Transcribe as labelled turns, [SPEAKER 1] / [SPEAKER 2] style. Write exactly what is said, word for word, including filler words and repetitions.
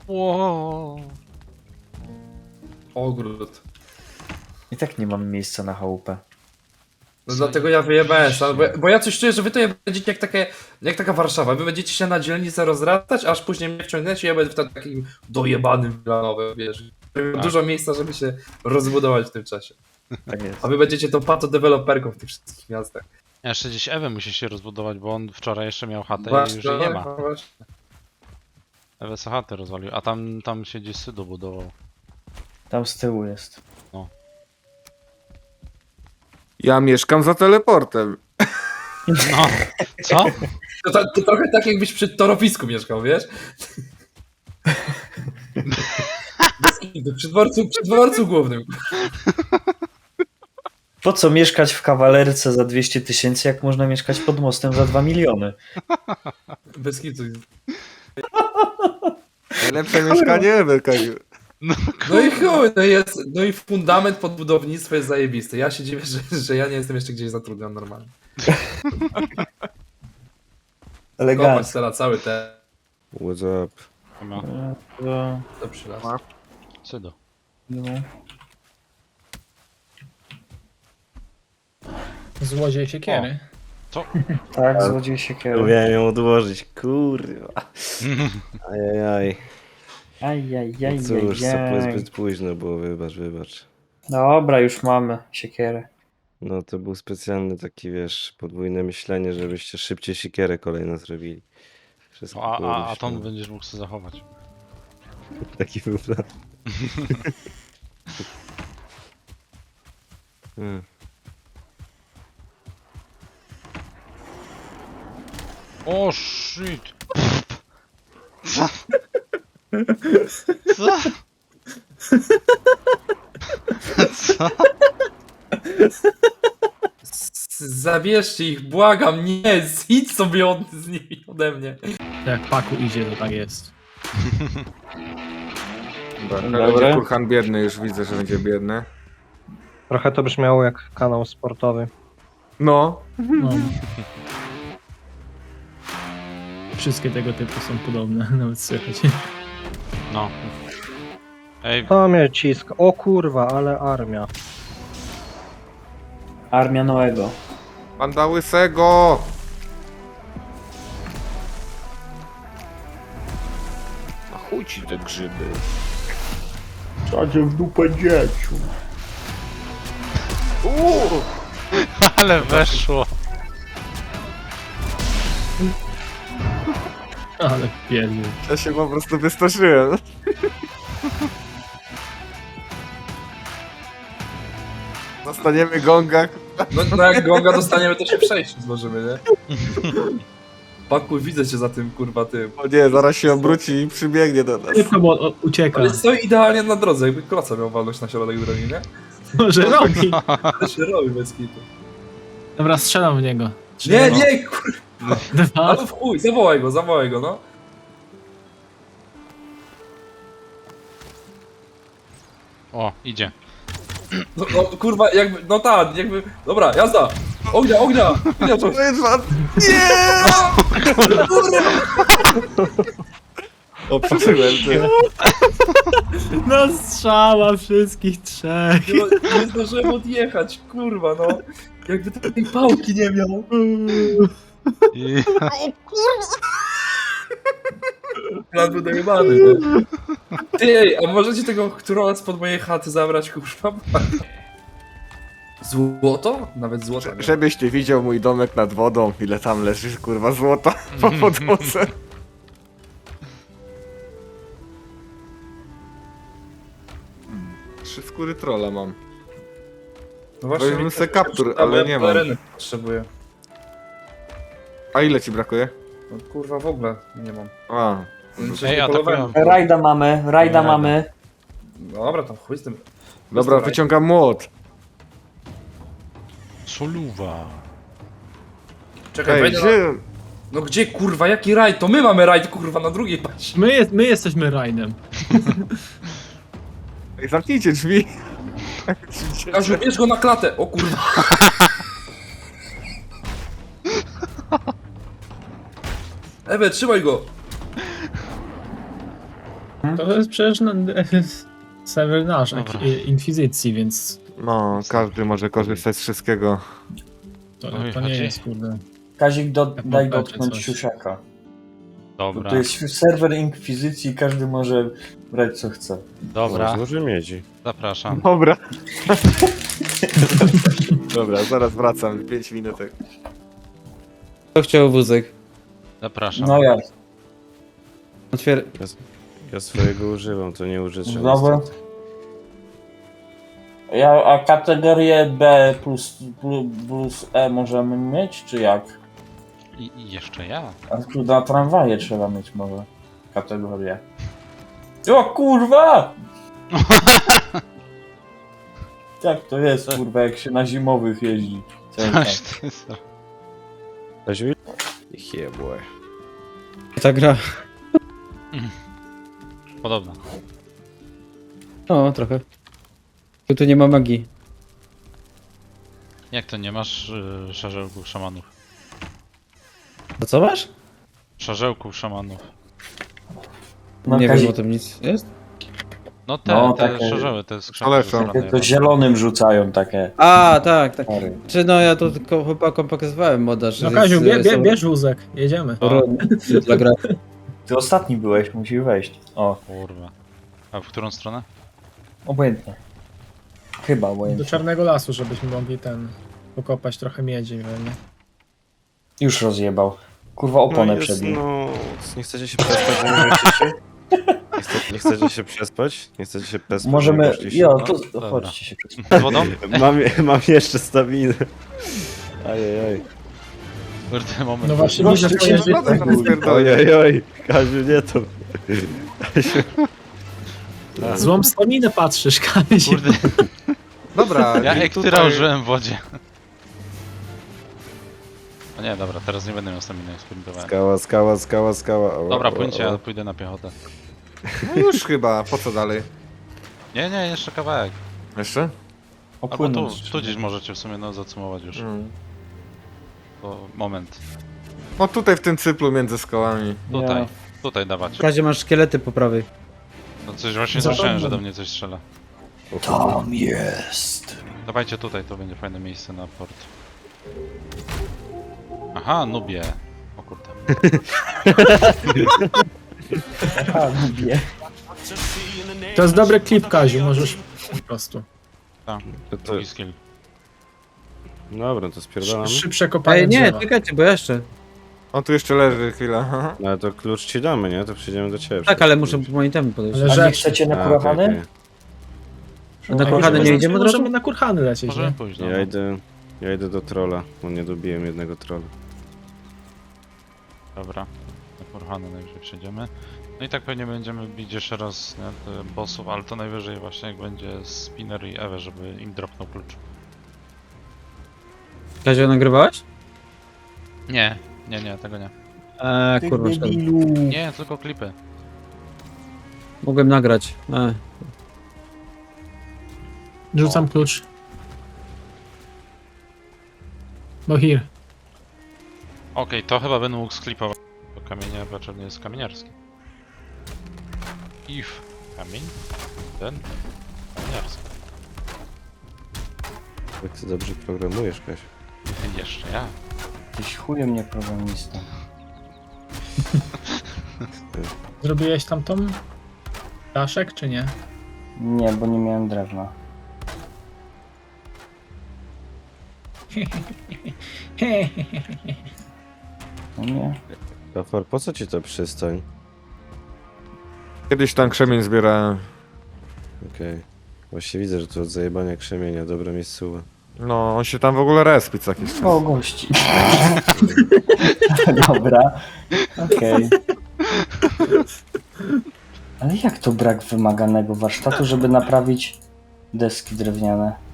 [SPEAKER 1] Wow.
[SPEAKER 2] Ogród.
[SPEAKER 3] I tak nie mam miejsca na chałupę.
[SPEAKER 2] No dlatego ja wyjebałem stąd, bo, bo ja coś czuję, że wy to będziecie jak, takie, jak taka Warszawa. Wy będziecie się na dzielnicę rozrastać, aż później mnie wciągniecie i ja będę w takim dojebanym Wilanowem, wiesz. Tak. Dużo miejsca, żeby się rozbudować w tym czasie.
[SPEAKER 3] Tak jest.
[SPEAKER 2] A wy będziecie tą pato-deweloperką w tych wszystkich miastach.
[SPEAKER 1] Jeszcze gdzieś Ewę musi się rozbudować, bo on wczoraj jeszcze miał chatę i już
[SPEAKER 2] Właśnie,
[SPEAKER 1] jej nie ma.
[SPEAKER 2] no właśnie.
[SPEAKER 1] Ewę sobie chatę rozwalił, a tam, tam się gdzieś Sydo budował.
[SPEAKER 3] Tam z tyłu jest.
[SPEAKER 4] Ja mieszkam za teleportem.
[SPEAKER 1] No, co?
[SPEAKER 2] To, to, to trochę tak jakbyś przy torowisku mieszkał, wiesz? Bez kitu, przy dworcu, przy dworcu głównym.
[SPEAKER 3] Po co mieszkać w kawalerce za dwieście tysięcy, jak można mieszkać pod mostem za dwa miliony?
[SPEAKER 2] Bez kitu.
[SPEAKER 4] Najlepsze mieszkanie ever, Kaju.
[SPEAKER 2] No i chuj, no, jest, no i fundament pod budownictwo jest zajebisty. Ja się dziwię, że, że ja nie jestem jeszcze gdzieś zatrudniony normalnie. Kopać
[SPEAKER 3] Elegancko.
[SPEAKER 2] teraz cały te...
[SPEAKER 4] What's up?
[SPEAKER 1] No,
[SPEAKER 3] No,
[SPEAKER 2] To przylas.
[SPEAKER 1] Sydo.
[SPEAKER 3] no.
[SPEAKER 5] Złodziej siekiery.
[SPEAKER 1] Co?
[SPEAKER 3] Tak, złodziej siekiery.
[SPEAKER 4] Miałem ją odłożyć, kurwa. Ajajaj.
[SPEAKER 3] Ajajajajaj.
[SPEAKER 4] No cóż, to zbyt późno było, wybacz, wybacz.
[SPEAKER 3] Dobra, już mamy siekierę.
[SPEAKER 4] No to był specjalny taki, wiesz, podwójne myślenie, żebyście szybciej siekierę kolejno zrobili. Wszystko
[SPEAKER 1] A,
[SPEAKER 4] było
[SPEAKER 1] a, a
[SPEAKER 4] myślane.
[SPEAKER 1] tą będziesz mógł sobie zachować.
[SPEAKER 4] Taki był plan. Hmm.
[SPEAKER 1] O shit! Co? Co? Co?
[SPEAKER 2] Z- Zabierzcie ich, błagam, nie, idź sobie od, z nimi ode mnie.
[SPEAKER 5] Jak Paku idzie, to tak jest.
[SPEAKER 4] Dobra,
[SPEAKER 3] Dobra.
[SPEAKER 4] będzie kurhan biedny, już widzę, że będzie biedny.
[SPEAKER 6] Trochę to brzmiało jak kanał sportowy.
[SPEAKER 4] No.
[SPEAKER 5] No. Wszystkie tego typu są podobne, nawet słychać.
[SPEAKER 1] No. Ej,
[SPEAKER 6] To mnie ciska. O kurwa, ale armia.
[SPEAKER 3] Armia Noego.
[SPEAKER 4] Panda łysego! A chuj ci te grzyby.
[SPEAKER 3] Sadzie w dupę dzieciu.
[SPEAKER 4] Uuu!
[SPEAKER 1] ale weszło.
[SPEAKER 5] Ale pierdol.
[SPEAKER 4] Ja się po prostu wystraszyłem. Dostaniemy gonga.
[SPEAKER 2] No, no jak gonga dostaniemy, to się przejść złożymy, nie? Pakuj, widzę cię za tym, kurwa, tym.
[SPEAKER 4] O nie, zaraz się obróci i przybiegnie do nas.
[SPEAKER 5] Szybko, bo o, ucieka.
[SPEAKER 2] Ale stoi idealnie na drodze, jakby kloca miał walnąć na środek drogi, nie?
[SPEAKER 5] Może robi.
[SPEAKER 2] To się robi bez kitu.
[SPEAKER 5] Dobra, strzelam w niego. Trzy,
[SPEAKER 2] Nie, nie, kurwa,
[SPEAKER 5] Dwa.
[SPEAKER 2] ale w chuj, zawołaj go, zawołaj go, no.
[SPEAKER 1] O, idzie.
[SPEAKER 2] No, no kurwa, jakby, no tak, jakby, dobra, jazda! Ognia, ognia! Ognia to...
[SPEAKER 4] To jest wad... O, przeżyłem, ty.
[SPEAKER 5] No strzała wszystkich trzech.
[SPEAKER 2] Nie, nie zdążyłem odjechać, kurwa, no. Jakby tej pałki nie miał.
[SPEAKER 1] I...
[SPEAKER 2] Plan był dojebany, nie? Ty, ej, a możecie tego trolla spod mojej chaty zabrać, kurwa? Złoto? Nawet złoto. nie.
[SPEAKER 4] Żebyś ty widział mój domek nad wodą, ile tam leży, kurwa, złota po podłodze. Trzy skóry trolla mam.
[SPEAKER 2] No
[SPEAKER 4] Weźmy
[SPEAKER 2] mi
[SPEAKER 4] se
[SPEAKER 2] to
[SPEAKER 4] kaptur,
[SPEAKER 2] przyda, bo
[SPEAKER 4] ale
[SPEAKER 2] ja
[SPEAKER 4] nie mam.
[SPEAKER 2] pelerynę potrzebuję.
[SPEAKER 4] A ile ci brakuje?
[SPEAKER 2] No kurwa, w ogóle nie mam.
[SPEAKER 4] A,
[SPEAKER 2] Jeszcze
[SPEAKER 1] Ej,
[SPEAKER 2] nie polowałem.
[SPEAKER 1] atakują.
[SPEAKER 3] Rajda mamy, rajda
[SPEAKER 1] Nie,
[SPEAKER 3] mamy.
[SPEAKER 2] Dobra, tam chuj z tym.
[SPEAKER 4] dobra, wyciągam młot.
[SPEAKER 1] Soluwa.
[SPEAKER 2] Czekaj,
[SPEAKER 4] Ej,
[SPEAKER 2] wejdę na...
[SPEAKER 4] gdzie?
[SPEAKER 2] No gdzie, kurwa, jaki rajd? To my mamy rajd, kurwa, na drugiej paści.
[SPEAKER 5] My, jest, my jesteśmy rajdem.
[SPEAKER 4] Ej, zamknijcie drzwi.
[SPEAKER 2] Kaziu, bierz go na klatę, o kurwa. Ewe, trzymaj go.
[SPEAKER 5] To jest przecież no, serwer nasz,
[SPEAKER 1] Dobra.
[SPEAKER 5] jak- inkwizycji, więc
[SPEAKER 7] No, każdy może korzystać z wszystkiego.
[SPEAKER 5] to,
[SPEAKER 1] Oj,
[SPEAKER 5] to nie
[SPEAKER 1] chodzi.
[SPEAKER 5] jest kurde.
[SPEAKER 3] Kazik, do,
[SPEAKER 5] Jak
[SPEAKER 3] daj
[SPEAKER 5] macie
[SPEAKER 3] dotknąć
[SPEAKER 5] coś.
[SPEAKER 3] siusiaka.
[SPEAKER 1] Dobra,
[SPEAKER 3] To jest serwer inkwizycji, każdy może brać co chce.
[SPEAKER 1] dobra,
[SPEAKER 4] Złoży miedzi.
[SPEAKER 1] zapraszam.
[SPEAKER 7] Dobra. Dobra, zaraz wracam, pięć minutek.
[SPEAKER 8] Kto chciał wózek?
[SPEAKER 1] Zapraszam.
[SPEAKER 3] No ja.
[SPEAKER 8] Otwier...
[SPEAKER 4] Ja, ja swojego używam, to nie użyczę.
[SPEAKER 3] Dobra.
[SPEAKER 4] niestety.
[SPEAKER 3] Ja, a kategorię B plus, plus, plus E możemy mieć, czy jak?
[SPEAKER 1] I, I jeszcze ja.
[SPEAKER 3] A tu na tramwaje trzeba mieć może kategorię. O kurwa! Tak to jest kurwa, jak się na zimowych jeździ. Cały
[SPEAKER 1] Coś
[SPEAKER 3] czas.
[SPEAKER 1] ty za-
[SPEAKER 4] Kaziu? Yeah, boy.
[SPEAKER 8] Ta gra.
[SPEAKER 1] Podobno.
[SPEAKER 8] No, trochę. Tu, tu nie ma magii.
[SPEAKER 1] Jak to nie masz y, szarzełków szamanów?
[SPEAKER 8] To co masz?
[SPEAKER 1] Szarzełków szamanów.
[SPEAKER 3] No,
[SPEAKER 8] nie
[SPEAKER 3] Kazik,
[SPEAKER 8] wiem o tym nic. Jest?
[SPEAKER 1] No te,
[SPEAKER 3] No,
[SPEAKER 1] te
[SPEAKER 3] takie-
[SPEAKER 1] szarzeły, te skrzynki.
[SPEAKER 7] Ale
[SPEAKER 1] ze
[SPEAKER 7] są.
[SPEAKER 1] strony
[SPEAKER 3] to zielonym rzucają takie.
[SPEAKER 8] A, tak, tak.
[SPEAKER 3] Tory.
[SPEAKER 8] Czy no ja to tylko chłopakom pokazywałem moda, że
[SPEAKER 5] No Kaziu, bie,
[SPEAKER 8] jest-
[SPEAKER 5] bie,
[SPEAKER 8] są-
[SPEAKER 5] bierz wózek, jedziemy.
[SPEAKER 1] O,
[SPEAKER 8] dla gra.
[SPEAKER 3] Ty ostatni byłeś, musisz wejść. O,
[SPEAKER 1] kurwa. A w którą stronę?
[SPEAKER 3] obojętnie. Chyba
[SPEAKER 5] Do
[SPEAKER 3] obojętnie.
[SPEAKER 5] czarnego lasu, żebyśmy mogli ten pokopać trochę miedzi, pewnie.
[SPEAKER 3] Już rozjebał. Kurwa oponę
[SPEAKER 4] no, jest,
[SPEAKER 3] przebił.
[SPEAKER 4] no, nie chcecie się przespać, że nie weszliście? Nie, chce, nie chcecie się przespać? Nie chcecie się przespać? że nie
[SPEAKER 3] Możemy.
[SPEAKER 4] weszliście?
[SPEAKER 3] Jo,
[SPEAKER 1] No,
[SPEAKER 3] to
[SPEAKER 1] dobra.
[SPEAKER 3] chodźcie się przespać.
[SPEAKER 1] Z wodą?
[SPEAKER 4] Mam, mam jeszcze staminę. Ajajaj.
[SPEAKER 1] Kurde, moment.
[SPEAKER 5] No właśnie,
[SPEAKER 3] Gościu,
[SPEAKER 5] widzę,
[SPEAKER 3] cię
[SPEAKER 5] że
[SPEAKER 7] No, to teraz pierdolę.
[SPEAKER 4] Ojej, oj, Kaziu, nie to.
[SPEAKER 5] złą staminę patrzysz, Kaziu.
[SPEAKER 1] Kurde,
[SPEAKER 7] Dobra,
[SPEAKER 1] ja
[SPEAKER 7] i
[SPEAKER 1] ektyra
[SPEAKER 7] tutaj-
[SPEAKER 1] użyłem w wodzie. No nie, dobra, teraz nie będę miał staminy, jak sprintowałem.
[SPEAKER 4] Skała, skała, skała, skała. O,
[SPEAKER 1] Dobra,
[SPEAKER 4] o,
[SPEAKER 1] płyńcie,
[SPEAKER 4] o.
[SPEAKER 1] ja pójdę na piechotę.
[SPEAKER 7] No już chyba, po co dalej?
[SPEAKER 1] Nie, nie, jeszcze kawałek.
[SPEAKER 7] Jeszcze?
[SPEAKER 1] Albo tu,
[SPEAKER 3] Opłynąć.
[SPEAKER 1] tu gdzieś możecie w sumie no, zacumować już.
[SPEAKER 7] Mm.
[SPEAKER 1] To moment.
[SPEAKER 7] No tutaj w tym cyplu między skałami.
[SPEAKER 1] Tutaj,
[SPEAKER 3] Ja.
[SPEAKER 1] tutaj dawać.
[SPEAKER 8] Kazie masz szkielety po prawej.
[SPEAKER 1] No coś właśnie
[SPEAKER 5] Za
[SPEAKER 1] słyszałem,
[SPEAKER 5] tobą.
[SPEAKER 1] że do mnie coś strzela.
[SPEAKER 3] Tam jest.
[SPEAKER 1] Dawajcie tutaj, to będzie fajne miejsce na port. Aha, nubie. O kurde.
[SPEAKER 3] Aha, lubię.
[SPEAKER 5] To jest dobry klip, Kaziu, możesz po prostu.
[SPEAKER 1] Tak,
[SPEAKER 4] To, to,
[SPEAKER 1] drugi skill.
[SPEAKER 4] dobra, to spierdalam.
[SPEAKER 5] Szybsze kopanie
[SPEAKER 8] Ej, nie,
[SPEAKER 5] drzewa.
[SPEAKER 8] czekajcie, bo jeszcze.
[SPEAKER 7] On tu jeszcze leży chwilę.
[SPEAKER 4] No ale to klucz ci damy, nie? To przyjdziemy do ciebie.
[SPEAKER 8] Tak, ale muszę po moim temu podejść.
[SPEAKER 5] Ale
[SPEAKER 3] A nie
[SPEAKER 5] rzecz.
[SPEAKER 3] chcecie na
[SPEAKER 4] A,
[SPEAKER 3] kurahany?
[SPEAKER 4] okej,
[SPEAKER 8] A na
[SPEAKER 5] Ej,
[SPEAKER 8] kochany nie
[SPEAKER 5] możemy-
[SPEAKER 8] idziemy od razu?
[SPEAKER 5] Możemy na kurhany lecieć,
[SPEAKER 1] Możemy
[SPEAKER 5] nie?
[SPEAKER 1] pójść,
[SPEAKER 4] okej.
[SPEAKER 1] no.
[SPEAKER 4] Ja idę, ja idę do trolla, bo nie dobiłem jednego trolla.
[SPEAKER 1] Dobra. Na Kurhany najwyżej przejdziemy. No i tak pewnie będziemy bić jeszcze raz nie, te bossów, ale to najwyżej właśnie jak będzie Spinner i Ewe, żeby im dropnął klucz.
[SPEAKER 8] Kazie, nagrywałeś?
[SPEAKER 1] Nie, nie, nie, tego nie.
[SPEAKER 8] Eee,
[SPEAKER 3] Ty
[SPEAKER 8] kurwa, szkoda.
[SPEAKER 3] debilu.
[SPEAKER 1] Nie, tylko klipy.
[SPEAKER 8] Mogłem nagrać. Eee.
[SPEAKER 5] Rzucam klucz. No here.
[SPEAKER 1] Okej, to chyba będę mógł sklipować. Bo kamienia raczej nie jest kamieniarski. If kamień, ten kamieniarski.
[SPEAKER 4] Jak ty dobrze programujesz, Kaś.
[SPEAKER 1] Jeszcze ja.
[SPEAKER 3] Tyś chujem nie programista.
[SPEAKER 5] Zrobiłeś tamtą daszek, czy nie?
[SPEAKER 3] Nie, bo nie miałem drewna. No nie.
[SPEAKER 4] Gafar, po co ci to przystań?
[SPEAKER 7] Kiedyś tam krzemień zbierałem.
[SPEAKER 4] Okej. Właśnie widzę, że to od zajebania krzemienia, dobra miejscowa.
[SPEAKER 7] No, on się tam w ogóle respi co jakiś czas.
[SPEAKER 3] O, gości. Dobra. Okej. Ale jak to brak wymaganego warsztatu, żeby naprawić deski drewniane?